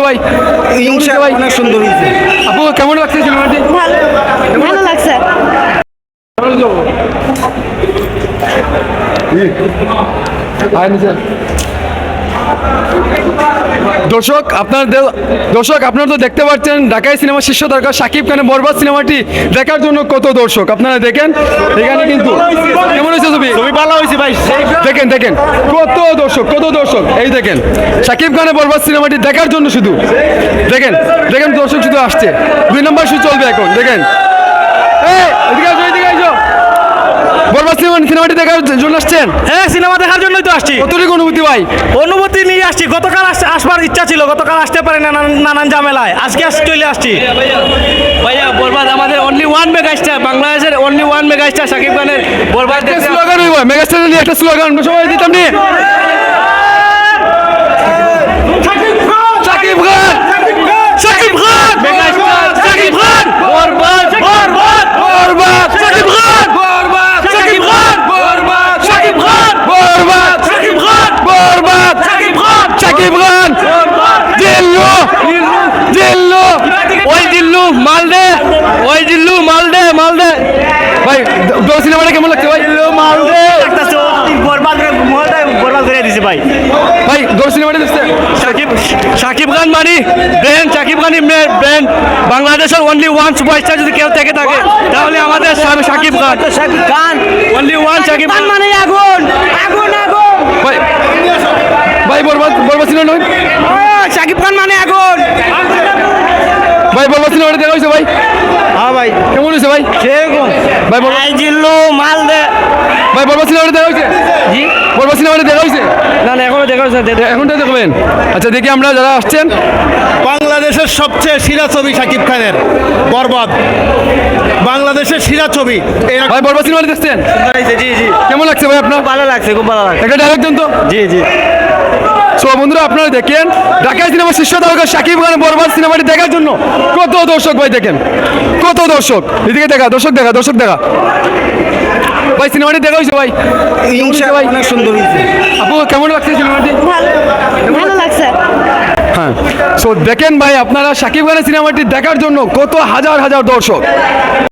ভাই? ভাই অনেক সুন্দর হয়েছে। আপু কেমন লাগছে সিনেমাটি? ভালো লাগছে। দর্শক আপনারা তো দেখতে পাচ্ছেন ঢাকাই সিনেমা শীর্ষ তারকা শাকিব খানের বরবাদ সিনেমাটি দেখার জন্য কত দর্শক আপনারা দেখেন এখানে কিন্তু কেমন হয়েছে ছবি? খুবই ভালো হয়েছে ভাই। দেখেন কত দর্শক এই দেখেন শাকিব খানের বরবাদ সিনেমাটি দেখার জন্য শুধু দেখেন দর্শক শুধু আসছে 2 নম্বর শো চলবে এখন দেখেন এদিকে আসো বরবাদ সিনেমাটি দেখার জন্য আসছেন? হ্যাঁ, সিনেমা দেখার জন্যই তো আসছি। কতটুকু অনুভূতি ভাই? অনুভূতি নিয়ে আসছি। গতকাল আসবার ইচ্ছা ছিল, গতকাল আসতে পারি না নানান ঝামেলায়। আজকে চলে আসছি। ভাইয়া বরবাদ আমাদের অনলি ওয়ান মেগাস্টার, বাংলাদেশের অনলি ওয়ান মেগাস্টার শাকিব খানের বরবাদ স্লোগান হইব মেগাস্টার নিয়ে একটা স্লোগান সবাই দিতাম নিয়ে শাকিব খান বরবাদ মালদে ভাই সিনেমাটা কেমন লাগছে ভাই? বরবাদ করে দিছে ভাই। ভাই সিনেমাটা দেখছে? শাকিব খান মানি ব্র্যান্ড, শাকিব খানই ব্র্যান্ড। বাংলাদেশের অনলি ওয়ান সুপারস্টার যদি কেউ থেকে থাকে তাহলে আমাদের শাকিব খান অনলি ওয়ান। শাকিব খান মানে আগুন। ভাই বরবাদ সিনেমা নয় শাকিব খান মানে আগুন। ভাই বরবাদ সিনেমাটা দেখা হয়েছে ভাই? হ্যাঁ ভাই, কেমন হয়েছে ভাই? সেরকম ভাই মালদে ভাই বরবাদ সিনেমাটা দেখা হয়েছে? জি বরবাদ সিনেমাটা দেখা হয়েছে? না এখনো দেখা যাচ্ছে। এখনটা দেখবেন? আচ্ছা দেখি আমরা যারা আসছেন। বাংলাদেশের সবচেয়ে সেরা ছবি শাকিব খানের বরবাদ, বাংলাদেশের সেরা ছবি। ভাই বরবাদ সিনেমাটা দেখছেন? জি কেমন লাগছে ভাই আপনার? ভালো লাগছে, খুব ভালো লাগছে। একটা ডায়লগ দেন তো। জি সো বন্ধুরা আপনারা দেখেন ঢাকাই সিনেমা শীর্ষ তারকা শাকিব খানের বরবাদ সিনেমাটি দেখার জন্য কত দর্শক ভাই দেখেন কত দর্শক এদিকে দর্শক দেখা ভাই সিনেমাটি দেখা হয়েছে ভাই? ভাই অনেক সুন্দর হয়েছে। আপু কেমন লাগছে সিনেমাটি? ভালো লাগছে। হ্যাঁ সো দেখেন ভাই আপনারা শাকিব খানের সিনেমাটি দেখার জন্য কত হাজার দর্শক